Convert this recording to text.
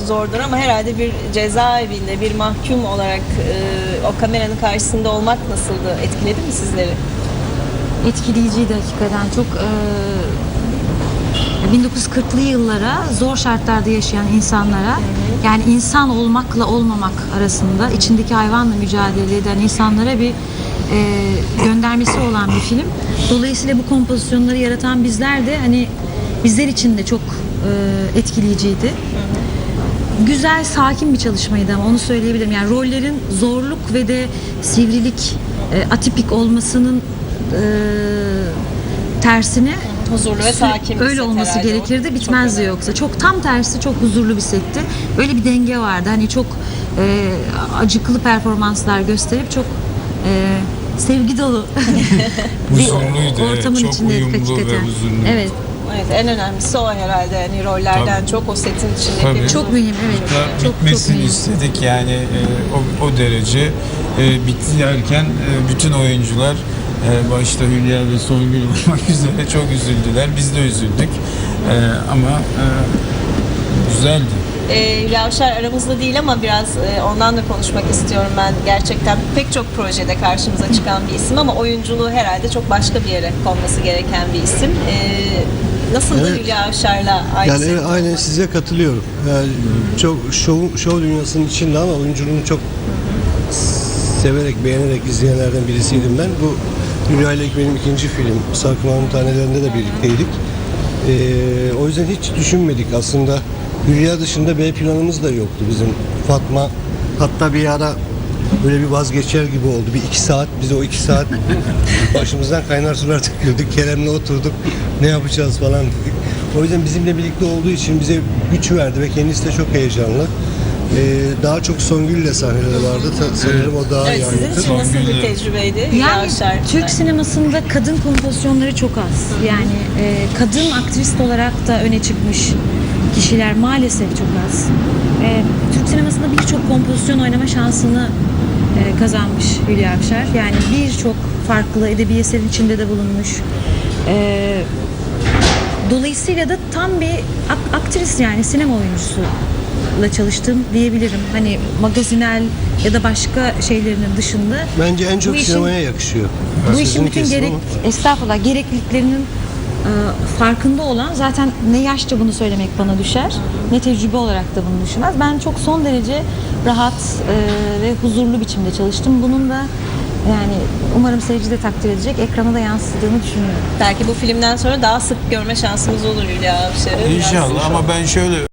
zordur ama herhalde bir cezaevinde bir mahkum olarak o kameranın karşısında olmak nasıldı? Etkiledi mi sizleri? Etkileyiciydi hakikaten. Çok 1940'lı yıllara zor şartlarda yaşayan insanlara, yani insan olmakla olmamak arasında içindeki hayvanla mücadele eden insanlara bir göndermesi olan bir film. Dolayısıyla bu kompozisyonları yaratan bizler de hani bizler için de çok etkileyiciydi. Güzel, sakin bir çalışmaydı ama onu söyleyebilirim. Yani rollerin zorluk ve de sivrilik, atipik olmasının tersine Huzurlu ve sakin bir öyle set olması herhalde. gerekirdi. O Bitmezdi çok önemli. yoksa. Çok tam tersi, çok huzurlu bir setti. Öyle bir denge vardı. Hani çok acıklı performanslar gösterip çok sevgi dolu bir Huzurluydu, evet. ortamın Çok içindeydik uyumlu ve hakikaten. huzurluydu. Evet. Evet, en önemlisi o herhalde. Hani rollerden Tabii. çok o setin içindeki Tabii. Çok mühim, evet. Da Çok bitmesini mühim. istedik yani o derece bitti derken bütün oyuncular başta Hülya ve Songül olmak üzere çok üzüldüler. Biz de üzüldük ama güzeldi. Hülya Avşar aramızda değil ama biraz ondan da konuşmak istiyorum ben. Gerçekten pek çok projede karşımıza çıkan bir isim ama oyunculuğu herhalde çok başka bir yere konması gereken bir isim. Nasıldı Evet. Hülya Avşar'la aynı Yani set? aynen size katılıyorum. Yani çok şov dünyasının içinde ama oyunculuğunu çok severek, beğenerek izleyenlerden birisiydim ben. Bu Hülya ile benim ikinci film. Sarkımanın Tanelerinde de birlikteydik. O yüzden hiç düşünmedik aslında. Hülya dışında B planımız da yoktu bizim. Fatma hatta bir ara böyle bir vazgeçer gibi oldu. Bir 2 saat, biz o 2 saat başımızdan kaynar sular döküldük. Kerem'le oturduk. Ne yapacağız falan dedik. O yüzden bizimle birlikte olduğu için bize güç verdi ve kendisi de çok heyecanlı. Daha çok Songül'le sahneleri vardı. Sanırım o daha Evet, iyi sizin anlatır. için nasıl bir Songül'le. tecrübeydi Hülya Yani Avşar? Türk sinemasında kadın kompozisyonları çok az. Yani kadın aktrist olarak da öne çıkmış kişiler maalesef çok az. Türk sinemasında birçok kompozisyon oynama şansını kazanmış Hülya Avşar. Yani birçok farklı edebi eserin içinde de bulunmuş. Dolayısıyla da tam bir aktris, yani sinema oyuncusuyla çalıştım diyebilirim. Hani magazinel ya da başka şeylerinin dışında. Bence en çok Bu işin- sinemaya yakışıyor. Bu Sözünü işin bütün kestim ama. estağfurullah gerekliliklerinin farkında olan, zaten ne yaşça bunu söylemek bana düşer, ne tecrübe olarak da bunu düşünmez. Ben çok son derece rahat ve huzurlu biçimde çalıştım. Bunun da yani umarım seyirci de takdir edecek, ekrana da yansıdığını düşünüyorum. Belki bu filmden sonra daha sık görme şansımız olur Hülya Avşar'ı. İnşallah ama ben şöyle